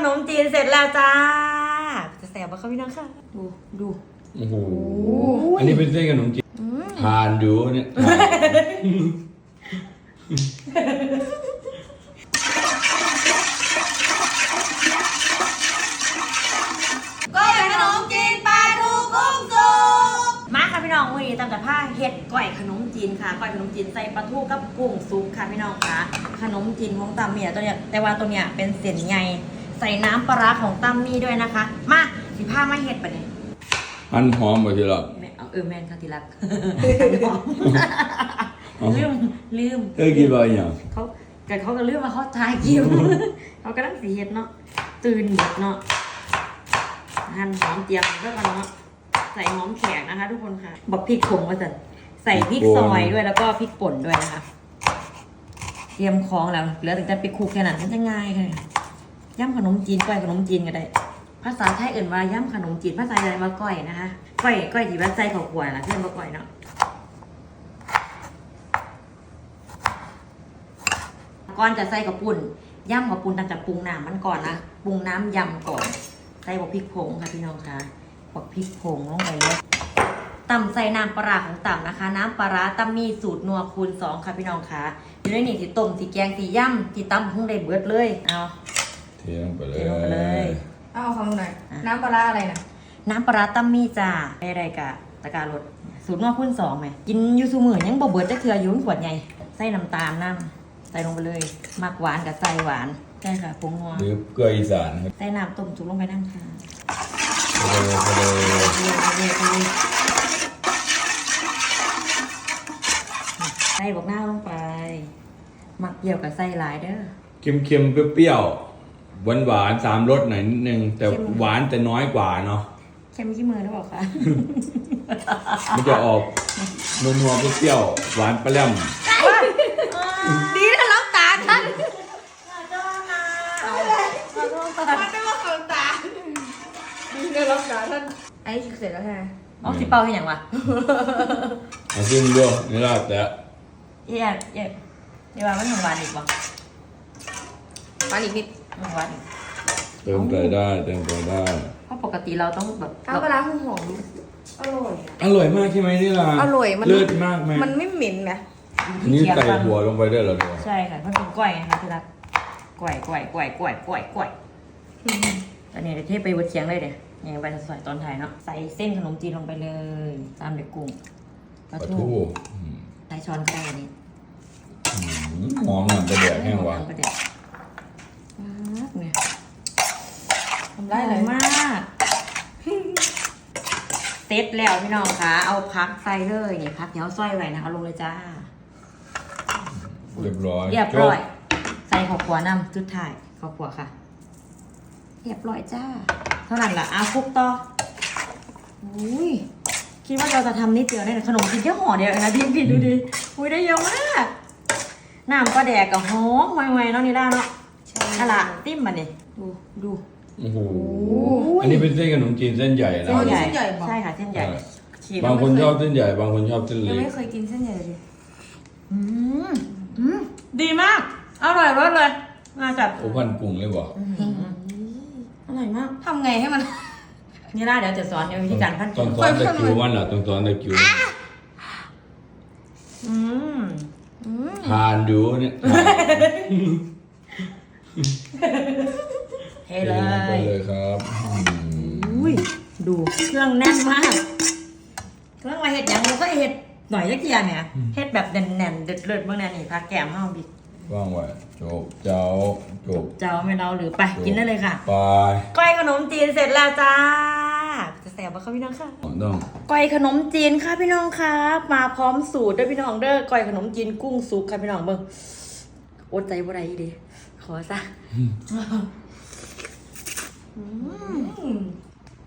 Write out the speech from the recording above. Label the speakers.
Speaker 1: นมจีนเสร็จแล้วจ้าจะแสบปะคะพี่น้องค่ะดู
Speaker 2: โอ้โหอันนี้เป็นเส้นขนมจีนทานอยู่เนี่ย
Speaker 1: ก้อยขนมจีนปลาทูกุ้งสุกมาค่ะพี่น้องวันนี้ตามแต่ผ้าเห็ดก้อยขนมจีนค่ะก้อยขนมจีนใส่ปลาทูกับกุ้งสุกค่ะพี่น้องค่ะขนมจีนของตามเมียตัวเนี้ยแต่ว่าตัวเนี้ยเป็นเส้นใหญ่ใส่น้ำปลาร้าของตั้มมี่ด้วยนะคะมาสิผ้ามาเห็ดปะเนี่ย
Speaker 2: มันหอมบ่ทีละ
Speaker 1: แมนค่ะทีรักลืม
Speaker 2: กินอะไรอย่าง
Speaker 1: เขาก็ลืมมาเขาทายกิวเขาก็ต้องสีเห็ดเนาะตื่นหมดเนาะหั่นหอมเตรียมก็กันเนาะใส่หอมแขกนะคะทุกคนค่ะบอกพริกผงมาสั่นใส่พริกซอยด้วยแล้วก็พริกป่นด้วยนะคะเตรียมของแล้วเหลือแต่ไปคลุกแค่นั้นมันจะง่ายเลยย่ำขนมจีนก้อยขนมจีนก็ได้ภาษาไทยเอื่นว่าย่ำขนมจีนภาษาอะไรมาก้อยนะคะก้อยที่ว่าใจเขาขวดนะเพื่อนมาก้อยเนาะก่อนจะใส่กับปุ่นย่ำกับปุ่นตั้งแต่ปรุงน้ำมันก่อนนะปรุงน้ำยำก่อนใส่บอกพริกผงค่ะพี่น้องค่ะบอกพริกผงลงไปเลยตำใส่น้ำปลาของต่ำนะคะน้ำปลาตั้มมีสูตรนัวคูณ2ค่ะพี่น้องค่ะอยู่ในนี่ที่ต้มที่แกงที่ย่ำที่ตำพุ่งได้เบิดเลยเอา
Speaker 2: เทลงไปเลย
Speaker 3: เอาของหน่อยน้ำปลาอะไรนะ
Speaker 1: น้ำปลาตั้มมีจ้าได้กะตะการรสสูตรนัวคูณ2ไหมกินยูซูมือยังบ่เบิดจะเถื่อยุ่นขวดใหญ่ใส่น้ำตาลน้ำใส่ลงไปเลยมักหวานกับใส่หวานใช่ค่ะผงนัว
Speaker 2: หรือเกลืออีสาน
Speaker 1: ใส่น้ำต้มจุกลงไปน้ำค่ะใส่บอกหน้าลงไปหมักเกี่ยวกับใส่หลายเด้อ
Speaker 2: เค็มๆเปรี้ยวๆหวานๆ3 รสหน่อยนิดนึงแต่หวานแต่น้อยกว่าเนาะ
Speaker 1: เค็มขี้มือหรือเปล่าคะ
Speaker 2: มันจะออกนัวๆเปรี้ยวๆหวานปลาแหลม
Speaker 1: ดีนะรับตาท่าน
Speaker 3: มันไม่ว่าของตาดีเลยรับตาท่านไอ้เสร็จแล้วไง
Speaker 1: อ๋อสิเป่าให้อย่างวะ
Speaker 2: เอาขึ้นด้วยนี่ละแต่
Speaker 1: เดี๋ยวว่ามันหวานอีกวะ
Speaker 3: หวานอีกนิด
Speaker 1: หวานอีก
Speaker 2: เติมไปได้
Speaker 1: เพราะปกติเราต้องแบบ
Speaker 3: น้ำปลาหอม
Speaker 2: อร่อยมากใช่ไหมนี่ล่ะ
Speaker 3: อร่อยมัน
Speaker 2: เลิศมากไหม
Speaker 3: มันไม่เหม็นไหม
Speaker 2: นี่ใส่หัวลงไปได้เหรอเนี่ย
Speaker 1: ใช่ค่ะมันเป็นก้อยนะคะที่รักก้อยตอนนี้เดี๋ยวเทไปบดเชียงเลยเดี๋ยวยังไปใส่ตอนถ่ายเนาะใส่เส้นขนมจีนลงไปเลยตามเด็กกุ้งปลาทูใส่ช้อนไก่นี่
Speaker 2: หอมหนังกระเดียดแห้งวะ
Speaker 1: เนี่ย
Speaker 3: ทำได้เลย
Speaker 1: มากเซ็ตแล้วพี่น้องคะเอาพักใส่เลยนี่พักเดี๋ยวซอยไว้นะคะลงเลยจ้า
Speaker 2: เรียบร้อย
Speaker 1: ใส่ข้าวคั่วน้ำจุดถ่ายข้าวคั่วค่ะเรียบร้อยจ้าเท่านั้นล่ะเอาคลุกต่ออุ้ยคิดว่าเราจะทำนิดเดียวได้ขนมกินแค่ห่อเดียวนะพี่ดูดิอุ้ยได้เยอะมากน้ำก็แดกกับหอมไวๆเนาะนี่ได้เนาะใช่ละติ้มมาเนี่ยดู
Speaker 2: โอ้โหอันนี้เป็นเส้นขนมจีนเส้นใหญ่นะ
Speaker 3: เส้นใหญ่
Speaker 1: ใช่ค่ะเส้นใหญ่
Speaker 2: บางคนชอบเส้นใหญ่บางคนชอบเส้นเล็ก
Speaker 3: ยังไม่เคยกินเส้นใหญ่เลย
Speaker 1: ดีมากอร่อยรสเลยน่าจัด
Speaker 2: โอ้พันกุ้งเลยบ่
Speaker 1: อร่อยมาก
Speaker 3: ทำไงให้มัน
Speaker 1: นี่ล่ะเดี๋ยวจะสอนวิธีการพัน
Speaker 2: กุ้งต้องสอนตะคิวมันล่ะต้องสอนตะคิวทานดูเนี่ย
Speaker 1: เทเลย
Speaker 2: ครับ
Speaker 1: อุ้ยดูเครื่องแน่นมากเครื่องมาเห็ดอย่างเราก็เห็ดหน่อยยักษ์เกียร์เนี่ยเห็ดแบบแน่นๆเด็ดๆเมื่อนั้นนี่พักแก้มห้าวบิ๊ก
Speaker 2: ว่างไว้จบเจ้า
Speaker 1: ไม่เราหรือไปกินได้เลยค่ะ
Speaker 2: ไป
Speaker 1: ก้อยขนมจีนเสร็จแล้วจ้าจะแสบป่ะคะพี่น้องค่ะก้อยขนมจีนค่ะพี่น้องค่ะมาพร้อมสูตรด้วยพี่น้องเด้อก้อยขนมจีนกุ้งสุกค่ะพี่น้องเบิ่งอดใจบ่ได้ดีขอซะ